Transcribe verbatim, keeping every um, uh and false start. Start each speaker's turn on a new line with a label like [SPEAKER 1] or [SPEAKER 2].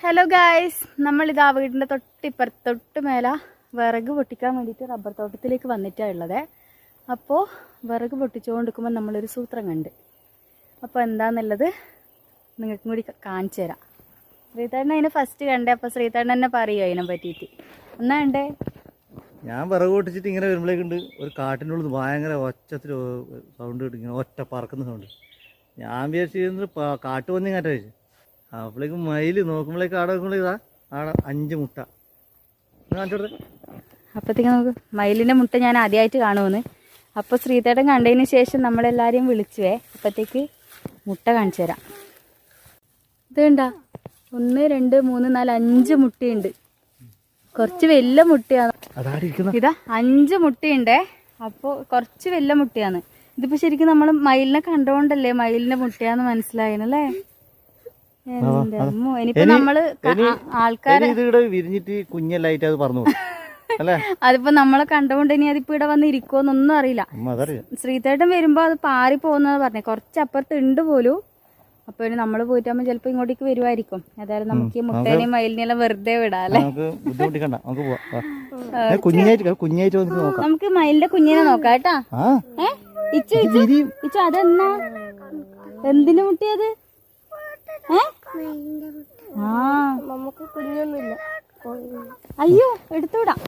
[SPEAKER 1] Hello guys, നമ്മളിതാ വീടിൻ്റെ തൊട്ടിപ്പുറത്ത് തൊട്ട് മേലെ വിറക് പൊട്ടിക്കാൻ വേണ്ടിയിട്ട് റബ്ബർ തോട്ടത്തിലേക്ക് വന്നിട്ടാണ് ഉള്ളത്. അപ്പോൾ വിറക് പൊട്ടിച്ചുകൊണ്ടിരിക്കുമ്പോൾ നമ്മളൊരു സൂത്രം കണ്ട്. അപ്പോൾ എന്താണെന്നുള്ളത് നിങ്ങൾക്കും കൂടി കാണിച്ചു തരാം. ശ്രീധരൻ അതിനെ ഫസ്റ്റ് കണ്ടേ, അപ്പോൾ ശ്രീധരൻ തന്നെ പറയുമോ അതിനെ പറ്റിയിട്ട്? എന്നാ ഉണ്ടേ?
[SPEAKER 2] ഞാൻ വിറക് പൊട്ടിച്ചിട്ട് ഇങ്ങനെ വരുമ്പോഴേക്കുണ്ട് ഒരു കാട്ടിൻ്റെ ഉള്ളിൽ ഭയങ്കര ഒച്ചത്തിൽ സൗണ്ട് കിട്ടും, ഇങ്ങനെ ഒറ്റ പറക്കുന്ന സൗണ്ട്. ഞാൻ വിചാരിച്ചിരുന്നത് കാട്ടു വന്നി കാറ്റ വെച്ചു. അപ്പോഴേക്കും മയിൽ നോക്കുമ്പോഴേക്കും ആടെ നോക്കുമ്പോഴേ ഇതാ ആടെ അഞ്ച് മുട്ട കാണിച്ചോട്ടെ.
[SPEAKER 1] അപ്പോഴത്തേക്ക് നമുക്ക് മയിലിൻ്റെ മുട്ട ഞാൻ ആദ്യമായിട്ട് കാണുമെന്ന്. അപ്പോൾ ശ്രീധരൻ കണ്ടതിന് ശേഷം നമ്മളെല്ലാവരെയും വിളിച്ചുവേ. അപ്പോഴത്തേക്ക് മുട്ട കാണിച്ചു തരാം. ഇത് കണ്ടാ, ഒന്ന് രണ്ട് മൂന്ന് നാല് അഞ്ച് മുട്ടയുണ്ട്. കുറച്ച് വലിയ മുട്ടയാണ്. ഇതാ അഞ്ച് മുട്ടയുണ്ടേ. അപ്പോൾ കുറച്ച് വലിയ മുട്ടയാണ്. ഇതിപ്പോൾ ശരിക്കും നമ്മൾ മയിലിനെ കണ്ടുകൊണ്ടല്ലേ മയിലിൻ്റെ മുട്ടയാന്ന് മനസ്സിലായല്ലേ? ഇനിയിപ്പോ നമ്മള് ആൾക്കാരെ
[SPEAKER 2] വിരിഞ്ഞിട്ട് കുഞ്ഞല്ലായിട്ട് അത് പറഞ്ഞു അല്ലേ?
[SPEAKER 1] അതിപ്പോ നമ്മളെ കണ്ടുകൊണ്ട് ഇനി അതിപ്പോ ഇവിടെ വന്ന് ഇരിക്കുവോന്നൊന്നും അറിയില്ല. ശ്രീധേട്ടൻ വരുമ്പോ അത് പാറി പോകുന്നത് പറഞ്ഞേ, കുറച്ചപ്പുറത്ത് ഉണ്ട് പോലും. അപ്പൊ ഇനി നമ്മള് പോയിട്ടാകുമ്പോ ചിലപ്പോ ഇങ്ങോട്ടേക്ക് വരുമായിരിക്കും. ഏതായാലും നമുക്ക് ഈ മുട്ടേനെയും മയിലിനെല്ലാം വെറുതെ വിടാം അല്ലേ? നമുക്ക് മയിലിന്റെ കുഞ്ഞിനെ നോക്കാം കേട്ടാ. ഏ ഇച്ചു ഇച്ചു ഇച്ചു അതെന്നാ എന്തിനു മുട്ടിയത്? ആ നമുക്ക് കുഞ്ഞൊന്നുമില്ല. അയ്യോ എടുത്തുവിടാം.